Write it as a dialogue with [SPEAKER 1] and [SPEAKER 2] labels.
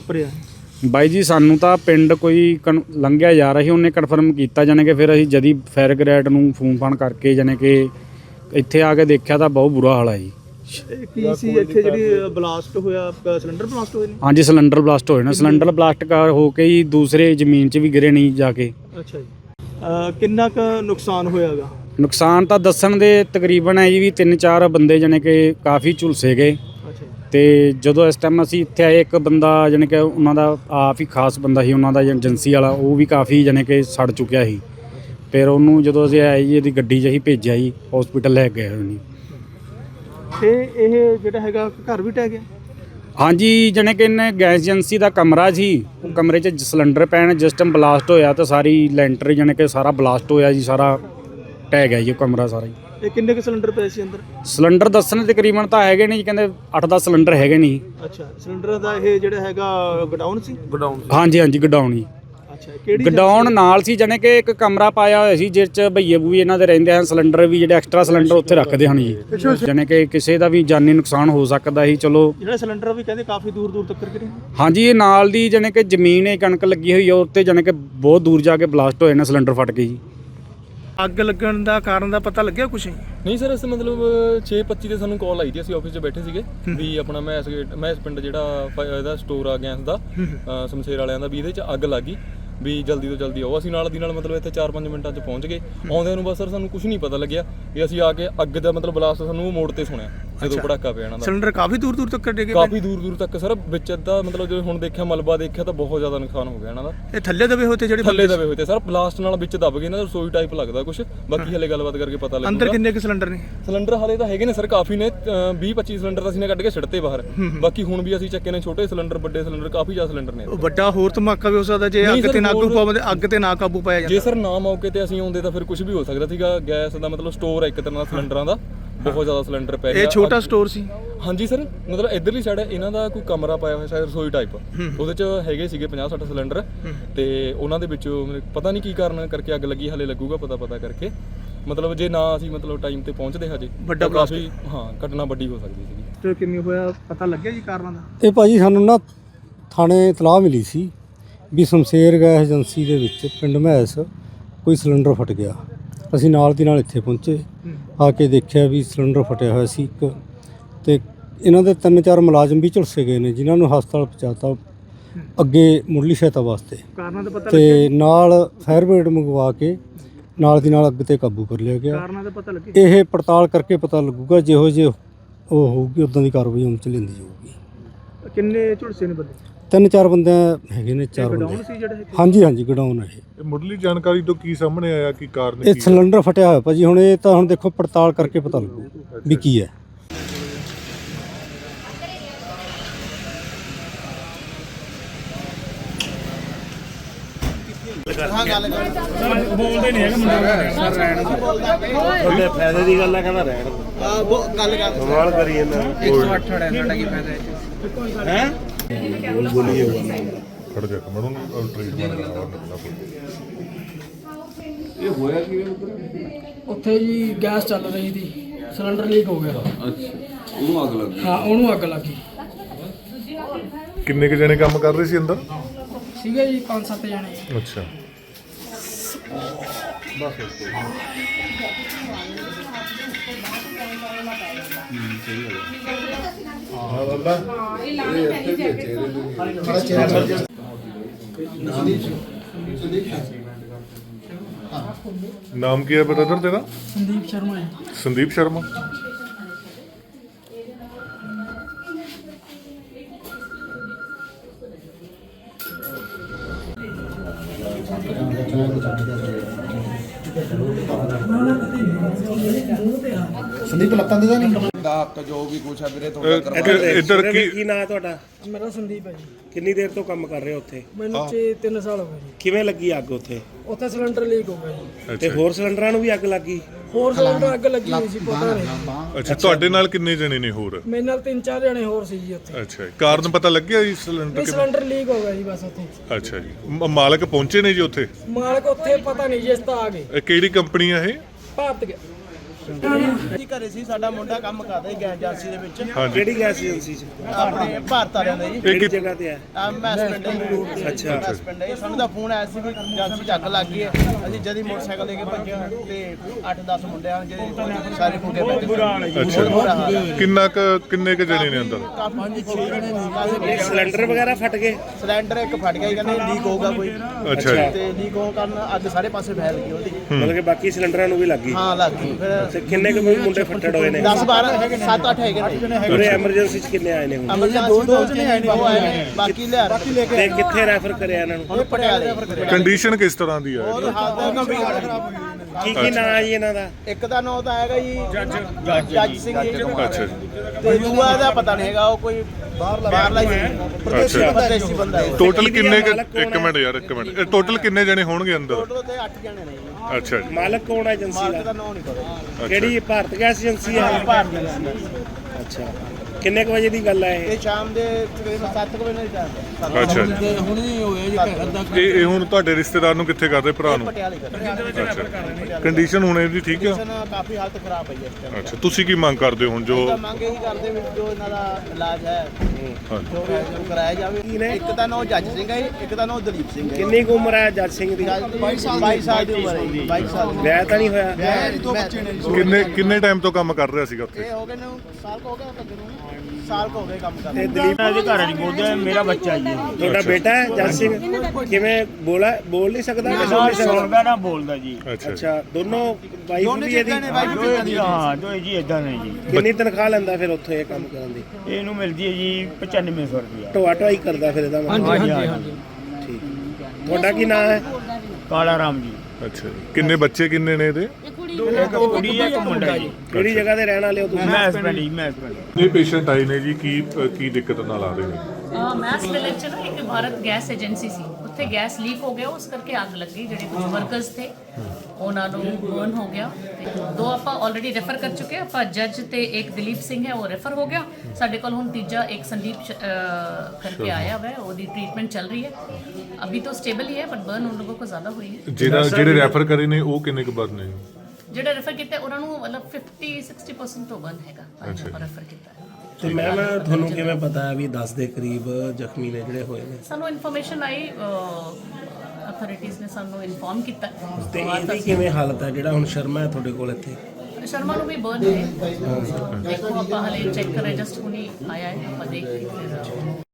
[SPEAKER 1] ਵਾਪਰਿਆ?
[SPEAKER 2] ਬਾਈ ਜੀ ਸਾਨੂੰ ਤਾਂ ਪਿੰਡ ਕੋਈ ਲੰਘਿਆ ਜਾ ਰਿਹਾ ਸੀ, ਉਹਨੇ ਕਨਫਰਮ ਕੀਤਾ ਜਾਨੇ ਕਿ ਫਿਰ ਅਸੀਂ ਜਦੀ ਫਾਇਰ ਬ੍ਰਿਗੇਡ ਨੂੰ ਫੋਨ ਕਰਕੇ ਜਾਨੇ ਕਿ ਇੱਥੇ ਆ ਕੇ ਦੇਖਿਆ ਤਾਂ ਬਹੁਤ ਬੁਰਾ ਹਾਲ ਹੈ ਜੀ।
[SPEAKER 1] ਕੀ ਸੀ ਇੱਥੇ ਜਿਹੜੀ ਬਲਾਸਟ ਹੋਇਆ, ਸਿਲੰਡਰ ਬਲਾਸਟ ਹੋਏ ਨੇ?
[SPEAKER 2] ਹਾਂਜੀ ਸਿਲੰਡਰ ਬਲਾਸਟ ਹੋਏ ਨੇ। ਸਿਲੰਡਰ ਬਲਾਸਟ ਹੋ ਕੇ ਹੀ ਦੂਸਰੇ ਜ਼ਮੀਨ 'ਚ ਵੀ ਗਿਰੇ ਨਹੀਂ ਜਾ ਕੇ।
[SPEAKER 1] ਅੱਛਾ ਜੀ। ਕਿੰਨਾ ਕੁ ਨੁਕਸਾਨ ਹੋਇਆਗਾ?
[SPEAKER 2] ਨੁਕਸਾਨ ਤਾਂ ਦੱਸਣ ਦੇ ਤਕਰੀਬਨ ਹੈ ਜੀ ਵੀ 3-4 ਬੰਦੇ ਜਾਨੇ ਕਿ ਕਾਫੀ ਝੁਲਸੇ ਗਏ। ਤੇ ਜਦੋਂ ਇਸ ਟਾਈਮ ਅਸੀਂ ਇੱਥੇ ਆਏ ਇੱਕ ਬੰਦਾ ਜਾਣੀ ਕਿ ਉਹਨਾਂ ਦਾ ਆਪ ਹੀ ਖਾਸ ਬੰਦਾ ਸੀ ਉਹਨਾਂ ਦਾ ਏਜੰਸੀ ਵਾਲਾ, ਉਹ ਵੀ ਕਾਫੀ ਜਾਣੀ ਕਿ ਸੜ ਚੁੱਕਿਆ ਸੀ। ਫਿਰ ਉਹਨੂੰ ਜਦੋਂ ਅਸੀਂ ਆਏ ਜੀ ਇਹਦੀ ਗੱਡੀ 'ਚ ਅਸੀਂ ਭੇਜਿਆ ਜੀ, ਹਸਪੀਟਲ ਲੈ ਗਏ ਉਹਨੂੰ।
[SPEAKER 1] ਤੇ ਇਹ ਜਿਹੜਾ ਹੈਗਾ ਘਰ ਵੀ ਟਹਿ ਗਿਆ?
[SPEAKER 2] ਹਾਂਜੀ ਜਾਣੀ ਕਿ ਇਹਨੇ ਗੈਸ ਏਜੰਸੀ ਦਾ ਕਮਰਾ ਸੀ, ਉਹ ਕਮਰੇ 'ਚ ਸਿਲੰਡਰ ਪੈਣ ਜਿਸ ਟਾਈਮ ਬਲਾਸਟ ਹੋਇਆ ਤਾਂ ਸਾਰੀ ਲੈਂਟਰ ਜਾਣੀ ਕਿ ਸਾਰਾ ਬਲਾਸਟ ਹੋਇਆ ਜੀ, ਸਾਰਾ ਟਹਿ ਗਿਆ ਜੀ ਉਹ ਕਮਰਾ ਸਾਰਾ ਜੀ।
[SPEAKER 1] ਇਹ ਕਿੰਨੇ ਕੁ ਸਿਲੰਡਰ ਪਏ ਸੀ ਅੰਦਰ?
[SPEAKER 2] ਸਿਲੰਡਰ ਦੱਸਣ ਤਕਰੀਬਨ ਤਾਂ ਹੈਗੇ ਨਹੀਂ ਜੀ, ਕਹਿੰਦੇ 8-10 ਸਿਲੰਡਰ ਹੈਗੇ ਨਹੀਂ।
[SPEAKER 1] ਅੱਛਾ, ਸਿਲੰਡਰ ਦਾ ਇਹ ਜਿਹੜਾ ਹੈਗਾ ਗਡਾਊਨ ਸੀ? ਗਡਾਊਨ,
[SPEAKER 2] ਹਾਂਜੀ ਹਾਂਜੀ ਗਡਾਊਨ ਜੀ।
[SPEAKER 1] ਅੱਛਾ, ਕਿਹੜੀ
[SPEAKER 2] ਗਡਾਊਨ ਨਾਲ ਸੀ ਜਾਣੀ ਕਿ ਇੱਕ ਕਮਰਾ ਪਾਇਆ ਹੋਇਆ ਸੀ ਜਿਸ 'ਚ ਭਈਏ ਬੂਈ ਇਹਨਾਂ ਦੇ ਰਹਿੰਦੇ ਹਨ। ਸਿਲੰਡਰ ਵੀ ਜਿਹੜੇ ਐਕਸਟਰਾ ਸਿਲੰਡਰ ਉੱਥੇ ਰੱਖਦੇ ਹਨ ਜੀ, ਜਾਣੀ ਕਿ ਕਿਸੇ ਦਾ ਵੀ ਜਾਨੀ ਨੁਕਸਾਨ ਹੋ ਸਕਦਾ ਸੀ। ਚਲੋ
[SPEAKER 1] ਜਿਹੜਾ ਸਿਲੰਡਰ ਵੀ ਕਹਿੰਦੇ ਕਾਫੀ ਦੂਰ ਦੂਰ ਤੱਕ ਗਿਰੇ।
[SPEAKER 2] ਹਾਂਜੀ ਇਹ ਨਾਲ ਦੀ ਜਾਣੀ ਕਿ ਜ਼ਮੀਨ ਇਹ ਕਣਕ ਲੱਗੀ ਹੋਈ ਆ ਉੱਤੇ ਜਾਣੀ ਕਿ ਬਹੁਤ ਦੂਰ ਜਾ ਕੇ ਬਲਾਸਟ ਹੋਏ ਨੇ ਸਿਲੰਡਰ ਫਟ ਕੇ ਜੀ।
[SPEAKER 1] ਅੱਗ ਲੱਗਣ ਦਾ ਕਾਰਨ ਦਾ ਪਤਾ ਲੱਗਿਆ ਕੁਛ?
[SPEAKER 3] ਨਹੀਂ ਸਰ, ਅਸੀਂ ਮਤਲਬ 6:25 ਤੇ ਸਾਨੂੰ ਕਾਲ ਆਈ ਸੀ, ਅਸੀਂ ਆਫਿਸ 'ਚ ਬੈਠੇ ਸੀਗੇ ਵੀ ਆਪਣਾ ਮੈਸ ਪਿੰਡ ਜਿਹੜਾ ਇਹਦਾ ਸਟੋਰ ਆ ਗੈਸ ਦਾ ਸਮਸ਼ੇਰ ਵਾਲਿਆਂ ਦਾ, ਵੀ ਇਹਦੇ 'ਚ ਅੱਗ ਲੱਗ ਗਈ, ਵੀ ਜਲਦੀ ਤੋਂ ਜਲਦੀ ਆਓ। ਅਸੀਂ ਨਾਲ ਦੀ ਨਾਲ ਮਤਲਬ ਇੱਥੇ 4-5 ਮਿੰਟਾਂ 'ਚ ਪਹੁੰਚ ਗਏ। ਆਉਂਦਿਆਂ ਨੂੰ ਬਸ ਸਰ ਸਾਨੂੰ ਕੁਝ ਨਹੀਂ ਪਤਾ ਲੱਗਿਆ ਵੀ ਅਸੀਂ ਆ ਕੇ ਅੱਗ ਦਾ ਮਤਲਬ ਬਲਾਸਟ ਸਾਨੂੰ ਮੋੜ ਤੇ ਸੁਣਿਆ ਜਦੋਂ ਪੜਾਕਾ ਪਿਆ ਇਹਨਾਂ ਦਾ।
[SPEAKER 1] ਸਿਲੰਡਰ ਕਾਫੀ ਦੂਰ ਦੂਰ ਤੱਕ ਡਿੱਗੇ?
[SPEAKER 3] ਕਾਫੀ ਦੂਰ ਦੂਰ ਤੱਕ ਸਰ, ਵਿੱਚ ਅੱਧਾ ਮਤਲਬ ਜੋ ਹੁਣ ਦੇਖਿਆ ਮਲਬਾ ਦੇਖਿਆ ਤਾਂ ਬਹੁਤ ਜ਼ਿਆਦਾ ਨੁਕਸਾਨ ਹੋ ਗਿਆ ਇਹਨਾਂ ਦਾ।
[SPEAKER 1] ਇਹ ਥੱਲੇ ਦਬੇ ਹੋਏ ਤੇ ਜਿਹੜੇ
[SPEAKER 3] ਥੱਲੇ ਦਬੇ ਹੋਏ ਤੇ ਸਰ, ਬਲਾਸਟ ਨਾਲ ਵਿੱਚ ਦਬ ਗਏ ਇਹਨਾਂ ਦਾ, ਰਸੋਈ ਟਾਈਪ ਲੱਗਦਾ ਕੁਝ। ਬਾਕੀ ਹਲੇ ਗੱਲਬਾਤ ਕਰਕੇ ਪਤਾ ਲੱਗੂਗਾ।
[SPEAKER 1] ਅੰਦਰ ਕਿੰਨੇ ਕੁ ਸਿਲੰਡਰ ਨੇ?
[SPEAKER 3] ਸਿਲੰਡਰ ਹਾਲੇ ਤਾਂ ਹੈਗੇ ਨੇ ਸਰ, ਕਾਫੀ ਨੇ। 20-25 ਸਿਲੰਡਰ ਤਾਂ ਅਸੀਂ ਨੇ ਕੱਢ ਕੇ ਛੱਡਤੇ ਬਾਹਰ। ਬਾਕੀ ਹੁਣ ਵੀ ਅਸੀਂ ਚੱਕੇ ਨੇ ਛੋਟੇ ਸਿਲੰਡਰ, ਵੱਡੇ ਸਿਲੰਡਰ, ਕਾਫੀ ਜ਼ਿਆਦਾ ਸਿਲੰਡਰ ਨੇ।
[SPEAKER 1] ਵੱਡਾ ਹੋਰ ਧਮਾਕਾ ਵੀ ਹੋ ਸਕਦਾ ਜੇ ਅੱਗ ਤੇ ਨਾ ਕਾਬੂ ਪਾਇਆ ਜਾਂਦਾ।
[SPEAKER 3] ਜੇ ਸਰ ਨਾ ਮੌਕੇ ਤੇ ਅਸੀਂ ਆਉਂਦੇ ਤਾਂ ਫਿਰ ਕੁਝ ਵੀ ਹੋ ਸਕਦਾ ਸੀਗਾ। ਗੈਸ ਦਾ ਮਤਲਬ ਸਟੋਰ ਹੈ ਇੱਕ ਤਰ੍ਹਾਂ ਦਾ ਸਿਲੰਡਰਾਂ ਦਾ, ਬਹੁਤ ਜ਼ਿਆਦਾ ਸਿਲੰਡਰ ਪੈ ਗਿਆ।
[SPEAKER 1] ਇਹ ਛੋਟਾ ਸਟੋਰ ਸੀ?
[SPEAKER 3] ਹਾਂਜੀ ਸਰ, ਮਤਲਬ ਇਧਰਲੀ ਸਾਈਡ ਇਹਨਾਂ ਦਾ ਕੋਈ ਕਮਰਾ ਪਾਇਆ ਹੋਇਆ ਸ਼ਾਇਦ ਰਸੋਈ ਟਾਈਪ, ਉਹਦੇ 'ਚ ਹੈਗੇ ਸੀਗੇ 50-60 ਸਿਲੰਡਰ। ਤੇ ਉਹਨਾਂ ਦੇ ਵਿੱਚੋਂ ਪਤਾ ਨਹੀਂ ਕੀ ਕਾਰਨ ਕਰਕੇ ਅੱਗ ਲੱਗੀ, ਹਲੇ ਲੱਗੂਗਾ ਪਤਾ ਕਰਕੇ। ਮਤਲਬ ਜੇ ਨਾ ਅਸੀਂ ਮਤਲਬ ਟਾਈਮ ਤੇ ਪਹੁੰਚਦੇ ਹਜੇ
[SPEAKER 1] ਵੱਡਾ
[SPEAKER 3] ਕਾਫੀ ਘਟਨਾ ਵੱਡੀ ਹੋ ਸਕਦੀ ਸੀਗੀ।
[SPEAKER 1] ਤੇ ਕਿੰਨੀ ਹੋਇਆ ਪਤਾ ਲੱਗਿਆ ਜੀ ਕਾਰਨਾਂ ਦਾ?
[SPEAKER 4] ਇਹ ਭਾਜੀ ਸਾਨੂੰ ਨਾ ਥਾਣੇ ਇਤਲਾਹ ਮਿਲੀ ਸੀ ਵੀ ਸ਼ਮਸ਼ੇਰ ਗੈਸ ਏਜੰਸੀ ਦੇ ਵਿੱਚ ਪਿੰਡ ਮਹਿਸ ਕੋਈ ਸਿਲੰਡਰ ਫਟ ਗਿਆ। ਅਸੀਂ ਨਾਲ ਦੀ ਨਾਲ ਇੱਥੇ ਪਹੁੰਚੇ, ਆ ਕੇ ਦੇਖਿਆ ਵੀ ਸਿਲੰਡਰ ਫਟਿਆ ਹੋਇਆ ਸੀ ਇੱਕ, ਤੇ ਇਹਨਾਂ ਦੇ 3-4 ਮੁਲਾਜ਼ਮ ਵੀ ਝੁਲਸੇ ਗਏ ਨੇ ਜਿਨ੍ਹਾਂ ਨੂੰ ਹਸਪਤਾਲ ਪਹੁੰਚਾਤਾ ਅੱਗੇ ਮੁੱਢਲੀ ਸਹਾਇਤਾ ਵਾਸਤੇ।
[SPEAKER 1] ਕਾਰਨਾਂ ਦਾ ਪਤਾ
[SPEAKER 4] ਤੇ ਨਾਲ ਫਾਇਰ ਬ੍ਰਿਗੇਡ ਮੰਗਵਾ ਕੇ ਨਾਲ ਦੀ ਨਾਲ ਅੱਗ ਤੇ ਕਾਬੂ ਕਰ ਲਿਆ ਗਿਆ।
[SPEAKER 1] ਕਾਰਨਾਂ ਦਾ ਪਤਾ ਲੱਗੇ?
[SPEAKER 4] ਇਹ ਪੜਤਾਲ ਕਰਕੇ ਪਤਾ ਲੱਗੂਗਾ, ਜਿਹੋ ਜਿਹੇ ਉਹ ਹੋਊਗੀ ਉਦਾਂ ਦੀ ਕਾਰਵਾਈ ਅਮਲ 'ਚ ਲੈਂਦੀ ਜਾਊਗੀ।
[SPEAKER 1] ਕਿੰਨੇ ਝੁਲਸੇ ਨੇ ਬੰਦੇ?
[SPEAKER 4] 3-4 ਬੰਦੇ ਹੈਗੇ ਨੇ, 4 ਬੰਦੇ।
[SPEAKER 1] ਗਡਾਊਨ ਸੀ ਜਿਹੜਾ?
[SPEAKER 4] ਹਾਂਜੀ ਹਾਂਜੀ ਗਡਾਊਨ ਹੈ ਇਹ।
[SPEAKER 5] ਮੁੱਢਲੀ ਜਾਣਕਾਰੀ ਤੋਂ ਕੀ ਸਾਹਮਣੇ ਆਇਆ, ਕੀ ਕਾਰਨ
[SPEAKER 4] ਇਹ ਸਿਲੰਡਰ ਫਟਿਆ ਹੋਇਆ ਭਾਜੀ। ਹੁਣ ਇਹ ਤਾਂ ਹੁਣ ਦੇਖੋ ਪੜਤਾਲ ਕਰਕੇ ਪਤਾ ਲੱਗੂ ਵੀ ਕੀ ਹੈ।
[SPEAKER 1] ਬੋਲਦੇ ਨਹੀਂ ਹੈਗੇ ਮੁੰਡਾ ਸਰ, ਰਹਿਣ
[SPEAKER 6] ਤੁਹਾਡੇ ਫਾਇਦੇ ਦੀ ਗੱਲ ਆ, ਕਹਿੰਦਾ ਰਹਿਣ
[SPEAKER 1] ਗੱਲ ਕਰ
[SPEAKER 6] ਕਮਾਲ ਕਰੀ ਜਾਂਦਾ।
[SPEAKER 1] 108 ਹੋਣਾ ਸਾਡਾ ਕੀ ਫਾਇਦਾ ਹੈ?
[SPEAKER 5] ਖੜ ਜਾ ਮੈਨੂੰ ਟ੍ਰੀਟਮੈਂਟ ਕਰਾਉਣਾ
[SPEAKER 6] ਇਹ ਹੋਇਆ ਕਿ
[SPEAKER 7] ਉੱਥੇ ਜੀ ਗੈਸ ਚੱਲ ਰਹੀ ਸੀ, ਸਿਲੰਡਰ ਲੀਕ ਹੋ ਗਿਆ।
[SPEAKER 6] ਅੱਛਾ, ਉਹਨੂੰ ਅੱਗ ਲੱਗ ਗਈ?
[SPEAKER 7] ਹਾਂ, ਉਹਨੂੰ ਅੱਗ ਲੱਗੀ।
[SPEAKER 5] ਕਿੰਨੇ ਕੁ ਜਣੇ ਕੰਮ ਕਰ ਰਹੇ ਸੀ ਅੰਦਰ?
[SPEAKER 7] ਸੀਗੇ ਜੀ 5-7 ਜਣੇ।
[SPEAKER 5] ਅੱਛਾ, ਨਾਮ ਕੀ ਹੈ ਬ੍ਰਦਰ ਤੇਰਾ?
[SPEAKER 7] ਸੰਦੀਪ ਸ਼ਰਮਾ ਜੀ।
[SPEAKER 5] ਸੰਦੀਪ ਸ਼ਰਮਾ।
[SPEAKER 4] ਸੰਦੀਪ ਲੱਤਾਂ ਦੇ ਨਹੀਂ
[SPEAKER 6] ਦਾ ਜੋ ਵੀ ਕੁਛ ਆ ਵੀਰੇ ਤੁਹਾਡਾ
[SPEAKER 5] ਇੱਧਰ
[SPEAKER 6] ਕੀ ਨਾਂ ਹੈ ਤੁਹਾਡਾ?
[SPEAKER 7] ਮੇਰਾ ਸੰਦੀਪ ਹੈ ਜੀ।
[SPEAKER 6] ਕਿੰਨੀ ਦੇਰ ਤੋਂ ਕੰਮ ਕਰ ਰਹੇ ਹੋ ਉੱਥੇ?
[SPEAKER 7] ਮੈਨੂੰ 3 ਸਾਲ ਹੋ ਗਏ ਜੀ।
[SPEAKER 6] ਕਿਵੇਂ ਲੱਗੀ ਅੱਗ ਉੱਥੇ?
[SPEAKER 7] ਉੱਥੇ ਸਿਲੰਡਰ ਲੀਕ ਹੋ ਗਿਆ ਜੀ।
[SPEAKER 6] ਤੇ ਹੋਰ ਸਿਲੰਡਰਾਂ ਨੂੰ ਵੀ ਅੱਗ ਲੱਗੀ?
[SPEAKER 7] ਹੋਰ ਸਿਲੰਡਰ ਅੱਗ ਲੱਗੀ ਹੋਈ ਸੀ, ਪਤਾ ਨਹੀਂ।
[SPEAKER 5] ਅੱਛਾ, ਤੁਹਾਡੇ ਨਾਲ ਕਿੰਨੇ ਜਣੇ ਨੇ ਹੋਰ?
[SPEAKER 7] ਮੇਰੇ ਨਾਲ 3-4 ਜਣੇ ਹੋਰ ਸੀ ਜੀ ਉੱਥੇ।
[SPEAKER 5] ਅੱਛਾ ਜੀ, ਕਾਰਨ ਪਤਾ ਲੱਗਿਆ ਜੀ ਸਿਲੰਡਰ ਕਿਵੇਂ?
[SPEAKER 7] ਸਿਲੰਡਰ ਲੀਕ ਹੋ ਗਿਆ ਜੀ ਬਸ ਉੱਥੇ।
[SPEAKER 5] ਅੱਛਾ ਜੀ, ਮਾਲਕ ਪਹੁੰਚੇ ਨੇ ਜੀ ਉੱਥੇ?
[SPEAKER 7] ਮਾਲਕ ਉੱਥੇ ਪਤਾ ਨਹੀਂ ਜੀ, ਇਸ ਤਾਂ ਆ ਗਏ।
[SPEAKER 5] ਇਹ ਕਿਹੜੀ ਕੰਪਨੀ ਆ ਇਹ?
[SPEAKER 7] ਭਾਰਤ ਗਿਆ
[SPEAKER 1] ਜੀ ਘਰੇ ਸੀ, ਸਾਡਾ ਮੁੰਡਾ ਕੰਮ ਕਰਦਾ ਗੈਸ ਏਜੰਸੀ ਦੇ ਵਿੱਚ,
[SPEAKER 5] ਹਾਂਜੀ
[SPEAKER 6] ਕਿਹੜੀ ਗੈਸ ਏਜੰਸੀ ਚ
[SPEAKER 1] ਆਪਣੇ ਭਾਰਤ ਵਾਲਿਆਂ ਦੇ ਜੀ।
[SPEAKER 5] ਇਹ
[SPEAKER 6] ਕਿਹੜੀ
[SPEAKER 5] ਕਿ
[SPEAKER 6] ਜਗ੍ਹਾ ਤੇ ਹੈ
[SPEAKER 1] ਮੈਸ ਪਿੰਡ ਹੈ।
[SPEAKER 6] ਅੱਛਾ।
[SPEAKER 1] ਮੈਸ ਪਿੰਡ ਹੈ। ਸਾਨੂੰ ਤਾਂ ਫੋਨ ਆਇਆ ਸੀ ਵੀ ਏਜੰਸੀ 'ਚ ਅੱਗ ਲੱਗ ਗਈ ਹੈ। ਅਸੀਂ ਜਦ ਹੀ ਮੋਟਰਸਾਈਕਲ ਲੈ ਕੇ ਭੱਜੇ ਤੇ 8-10 ਮੁੰਡੇ ਆ ਜਿਹੜੇ ਸਾਰੇ ਫੁੱਟੇ ਪਏ।
[SPEAKER 5] ਅੱਛਾ ਕਿੰਨੇ ਕ ਜਣੇ ਨੇ ਅੰਦਰ?
[SPEAKER 1] ਕਾਫੀ 6 ਜਣੇ ਨੇ।
[SPEAKER 6] ਸਿਲੰਡਰ ਵਗੈਰਾ ਫਟ ਗਏ
[SPEAKER 1] ਸਿਲੰਡਰ ਇੱਕ ਫਟ ਗਿਆ, ਕਹਿੰਦੇ ਲੀਕ ਹੋਊਗਾ ਕੋਈ,
[SPEAKER 5] ਅੱਛਾ ਜੀ।
[SPEAKER 1] ਤੇ ਲੀਕ ਹੋਣ ਕਾਰਨ ਅੱਗ ਸਾਰੇ ਪਾਸੇ ਫੈਲ ਗਈ ਉਹਦੀ।
[SPEAKER 6] ਮਤਲਬ ਕਿ ਬਾਕੀ ਸਿਲੰਡਰਾਂ ਨੂੰ ਵੀ ਲੱਗ ਗਈ
[SPEAKER 1] ਹਾਂ ਲੱਗ ਗਈ। ਫਿਰ
[SPEAKER 6] ਤੇ ਕਿੰਨੇ ਕੁ ਮੁੰਡੇ ਫੱਟੜ ਹੋਏ ਨੇ
[SPEAKER 1] 10-12 ਹੈਗੇ, 7-8 ਹੈਗੇ ਨੇ।
[SPEAKER 6] ਪੂਰੇ ਐਮਰਜੈਂਸੀ ਚ ਕਿੰਨੇ ਆਏ ਨੇ ਹੁਣ
[SPEAKER 1] ਐਮਰਜੈਂਸੀ ਦੋ ਜਣੇ ਆਏ ਨੇ, ਉਹ ਆਏ ਨੇ, ਬਾਕੀ ਲਿਆ
[SPEAKER 6] ਤੇ ਕਿੱਥੇ ਰੈਫਰ ਕਰਿਆ ਇਹਨਾਂ ਨੂੰ
[SPEAKER 1] ਇਹ ਪਟਿਆਲੇ।
[SPEAKER 5] ਕੰਡੀਸ਼ਨ ਕਿਸ ਤਰ੍ਹਾਂ ਦੀ ਹੈ?
[SPEAKER 1] ਬਹੁਤ ਹਾਲਤ ਗੰਭੀਰ।
[SPEAKER 6] ਕੀ ਨਾਂ ਹੈ ਜੀ ਇਹਨਾਂ ਦਾ
[SPEAKER 1] ਇੱਕ ਦਾ ਨਾਂ ਤਾਂ ਹੈਗਾ ਜੀ ਜੱਜ ਸਿੰਘ ਜੀ,
[SPEAKER 5] ਅੱਛਾ ਜੀ।
[SPEAKER 1] ਤੇ ਦੂਆ ਦਾ ਪਤਾ ਨਹੀਂ ਹੈਗਾ, ਉਹ ਕੋਈ ਬਾਹਰਲਾ ਹੀ ਹੈ, ਪ੍ਰਦੇਸੀ
[SPEAKER 5] ਅੱਛਾ।
[SPEAKER 1] ਪ੍ਰਦੇਸੀ ਬੰਦਾ ਹੈ।
[SPEAKER 5] ਟੋਟਲ ਕਿੰਨੇ ਕੁ-
[SPEAKER 6] ਮਾਲਕ ਕੌਣ
[SPEAKER 5] ਇੱਕ
[SPEAKER 6] ਹੈ?
[SPEAKER 5] ਮਿੰਟ ਯਾਰ, ਇੱਕ ਮਿੰਟ, ਇਹ ਟੋਟਲ ਕਿੰਨੇ ਜਣੇ ਹੋਣਗੇ ਅੰਦਰ?
[SPEAKER 1] ਟੋਟਲ ਤੇ 8 ਜਣੇ ਨੇ ਜੀ।
[SPEAKER 5] ਅੱਛਾ ਜੀ।
[SPEAKER 6] ਮਾਲਕ ਕੌਣ ਹੈ ਏਜੰਸੀ
[SPEAKER 1] ਮਾਲਕ
[SPEAKER 6] ਦਾ
[SPEAKER 1] ਦਾ ਨਾਂ ਨਹੀਂ ਪਤਾ।
[SPEAKER 5] ਅੱਛਾ।
[SPEAKER 6] ਕਿਹੜੀ ਭਾਰਤ ਗੈਸ ਏਜੰਸੀ ਹੈ
[SPEAKER 1] ਭਾਰਤ ਦੇ ਅੰਦਰ।
[SPEAKER 6] ਅੱਛਾ ਕਿੰਨੇ ਕੁ ਵਜੇ ਦੀ ਗੱਲ ਹੈ ਇਹ
[SPEAKER 1] ਇਹ ਸ਼ਾਮ ਦੇ ਤਕਰੀਬਨ 7 ਵਜੇ ਨਾਲ ਟਾਈਮ
[SPEAKER 5] ਅੱਛਾ ਜੀ।
[SPEAKER 7] ਹੁਣ ਹੀ ਹੋਇਆ ਜੀ ਅੱਧਾ
[SPEAKER 5] ਇਹ ਹੁਣ ਤੁਹਾਡੇ ਰਿਸ਼ਤੇਦਾਰ ਨੂੰ ਕਿੱਥੇ ਕਰਦੇ, ਭਰਾ ਨੂੰ?
[SPEAKER 1] ਪਟਿਆਲੇ ਕਰ
[SPEAKER 5] ਅੱਛਾ। ਕੰਡੀਸ਼ਨ ਹੁਣ ਇਹਦੀ ਠੀਕ ਆ?
[SPEAKER 1] ਕਾਫੀ ਹਾਲਤ ਖਰਾਬ ਹੈ ਜੀ ਇਸ ਟਾਈਮ।
[SPEAKER 5] ਅੱਛਾ, ਤੁਸੀਂ ਕੀ ਮੰਗ ਕਰਦੇ ਹੋ ਹੁਣ ਜੋ?
[SPEAKER 1] ਤਾਂ ਮੰਗ ਇਹੀ ਕਰਦੇ ਵੀ ਜੋ ਇਹਨਾਂ ਦਾ ਇਲਾਜ ਹੈ
[SPEAKER 5] ਹਾਂਜੀ।
[SPEAKER 1] ਜੋ ਵੀ ਕਰਾਇਆ ਜਾਵੇ। ਇੱਕ ਦਾ ਨਾਂ ਜੱਜ ਸਿੰਘ ਹੈ, ਇੱਕ ਦਾ ਨਾਂ ਦਲੀਪ ਸਿੰਘ ਹੈ।
[SPEAKER 6] ਕਿੰਨੀ ਕੁ ਉਮਰ ਹੈ ਜੱਜ ਸਿੰਘ ਦੀ
[SPEAKER 1] 22 ਸਾਲ ਦੀ ਉਮਰ ਹੈ ਜੀ। 22 ਸਾਲ ਦੀ।
[SPEAKER 6] ਵਿਆਹ ਤਾਂ ਨਹੀਂ ਹੋਇਆ
[SPEAKER 1] ਦੋ ਬੱਚੇ ਨੇ।
[SPEAKER 5] ਕਿੰਨੇ ਟਾਈਮ ਤੋਂ ਕੰਮ ਕਰ ਰਿਹਾ ਸੀਗਾ ਉੱਥੇ?
[SPEAKER 1] ਇਹ ਹੋ ਗਏ ਨੇ ਸਾਲ ਕੋ ਹੋ ਗਿਆ ਲੱਗੇ ਨੂੰ, ਸਾਲ ਕੋ ਹੋ ਗਏ ਕੰਮ
[SPEAKER 6] ਤੇ
[SPEAKER 1] ਕਰਦੇ।
[SPEAKER 6] ਦਲੀਪ
[SPEAKER 7] ਦੇ ਘਰ ਨਹੀਂ ਬੋਲਦਾ, ਮੇਰਾ ਬੱਚਾ ਜੀ
[SPEAKER 6] ਤੁਹਾਡਾ ਬੇਟਾ ਹੈ ਜੱਜ ਸਿੰਘ ਕਿਵੇਂ ਬੋਲ ਨਹੀਂ ਸਕਦਾ ਕਿ ਸੁਣ ਨਹੀਂ ਸਕਦਾ
[SPEAKER 7] ਸੁਣਦਾ ਨਾ ਬੋਲਦਾ ਜੀ।
[SPEAKER 5] ਅੱਛਾ ਜੀ।
[SPEAKER 6] ਅੱਛਾ ਦੋਨੋਂ ਵਾਈਫ ਵੀ ਇਹਦੀ
[SPEAKER 7] ਹਾਂ ਦੋਏ ਜੀ ਇਦਾਂ ਨੇ ਜੀ।
[SPEAKER 6] ਕਿੰਨੀ ਤਨਖਾਹ ਲੈਂਦਾ ਫਿਰ ਉੱਥੇ ਇਹ ਕੰਮ ਕਰਨ ਦੀ
[SPEAKER 7] ਇਹਨੂੰ ਮਿਲਦੀ ਹੈ ਜੀ 9500 ਰੁਪਇਆ।
[SPEAKER 6] ਢੋਆ ਢੋਆਈ ਕਰਦਾ ਫਿਰ ਇਹਦਾ ਮਤਲਬ
[SPEAKER 7] ਹਾਂਜੀ
[SPEAKER 6] ਠੀਕ ਤੁਹਾਡਾ ਕੀ ਨਾਮ ਹੈ
[SPEAKER 7] ਕਾਲਾ ਰਾਮ ਜੀ।
[SPEAKER 5] ਅੱਛਾ ਜੀ। ਕਿੰਨੇ ਬੱਚੇ ਕਿੰਨੇ ਨੇ ਇਹਦੇ?
[SPEAKER 7] ਇੱਕ ਕੁੜੀ ਹੈ, ਇੱਕ ਮੁੰਡਾ ਜੀ।
[SPEAKER 6] ਕਿਹੜੀ ਜਗ੍ਹਾ ਤੇ ਰਹਿਣ ਵਾਲੇ ਹੋ ਤੁਸੀਂ
[SPEAKER 7] ਮੈਂ ਹਸਬੈਂਡ ਜੀ, ਮੈਂ ਹਸਬੈਂਡ।
[SPEAKER 5] ਇਹ ਪੇਸ਼ੈਂਟ ਆਏ ਨੇ ਜੀ, ਕੀ ਦਿੱਕਤ ਨਾਲ ਆ ਰਹੇ ਨੇ?
[SPEAKER 8] ਮੈਸ ਵਿਲੇਜ ਚ ਨਾ ਇੱਕ ਭਾਰਤ ਗੈਸ ਏਜੰਸੀ ਸੀ, ਉੱਥੇ ਗੈਸ ਲੀਕ ਹੋ ਗਿਆ, ਉਸ ਕਰਕੇ ਅੱਗ ਲੱਗੀ। ਜਿਹੜੇ ਕੁਝ ਵਰਕਰਸ ਥੇ ਉਹਨਾਂ ਨੂੰ ਬਰਨ ਹੋ ਗਿਆ। ਤੇ ਦੋ ਆਪਾਂ ਆਲਰੇਡੀ ਰੈਫਰ ਕਰ ਚੁੱਕੇ ਆਪਾਂ, ਜੱਜ ਤੇ ਇੱਕ ਦਲੀਪ ਸਿੰਘ ਹੈ ਉਹ ਰੈਫਰ ਹੋ ਗਿਆ। ਸਾਡੇ ਕੋਲ ਹੁਣ ਤੀਜਾ ਇੱਕ ਸੰਦੀਪ ਕਰਕੇ ਆਇਆ हुआ है, ਉਹਦੀ ਟ੍ਰੀਟਮੈਂਟ ਚੱਲ ਰਹੀ ਹੈ। अभी तो स्टेबल ही है बट बर्न उन लोगों को ज़्यादा हुई है।
[SPEAKER 5] ਜਿਹੜੇ ਰੈਫਰ ਕਰੇ ਨੇ ਉਹ ਕਿੰਨੇ ਕੁ ਬਾਅਦ ਨੇ?
[SPEAKER 8] ਜਿਹੜੇ ਰੈਫਰ ਕੀਤਾ ਉਹਨਾਂ ਨੂੰ ਮਤਲਬ 50-60% ਤੋਂ ਬਰਨ ਹੈਗਾ ਆਪਾਂ ਰੈਫਰ ਕੀਤਾ ਹੈ।
[SPEAKER 6] ਤੇ ਮੈਮ ਤੁਹਾਨੂੰ ਕਿਵੇਂ ਪਤਾ ਹੈ ਵੀ 10 ਦੇ ਕਰੀਬ ਜ਼ਖਮੀ ਨੇ ਜਿਹੜੇ ਹੋਏ ਨੇ
[SPEAKER 8] ਸਾਨੂੰ ਇਨਫੋਰਮੇਸ਼ਨ ਆਈ, ਅਥਾਰਟੀਜ਼ ਨੇ ਸਾਨੂੰ ਇਨਫੋਰਮ ਕੀਤਾ।
[SPEAKER 6] ਤੇ ਇਹਦੀ ਕਿਵੇਂ ਹਾਲਤ ਹੈ ਜਿਹੜਾ ਹੁਣ ਸ਼ਰਮਾ ਹੈ ਤੁਹਾਡੇ ਕੋਲ ਇੱਥੇ
[SPEAKER 8] ਸ਼ਰਮਾ ਨੂੰ ਵੀ ਬਰਨ ਹੈ। ਦੇਖੋ ਆਪਾਂ ਹਲੇ ਚੈੱਕ ਕਰ ਰਹੇ, ਜਸਟ ਹੁਣੀ ਆਇਆ ਹੈ, ਆਪਾਂ ਦੇਖ ਰਹੇ ਹਾਂ।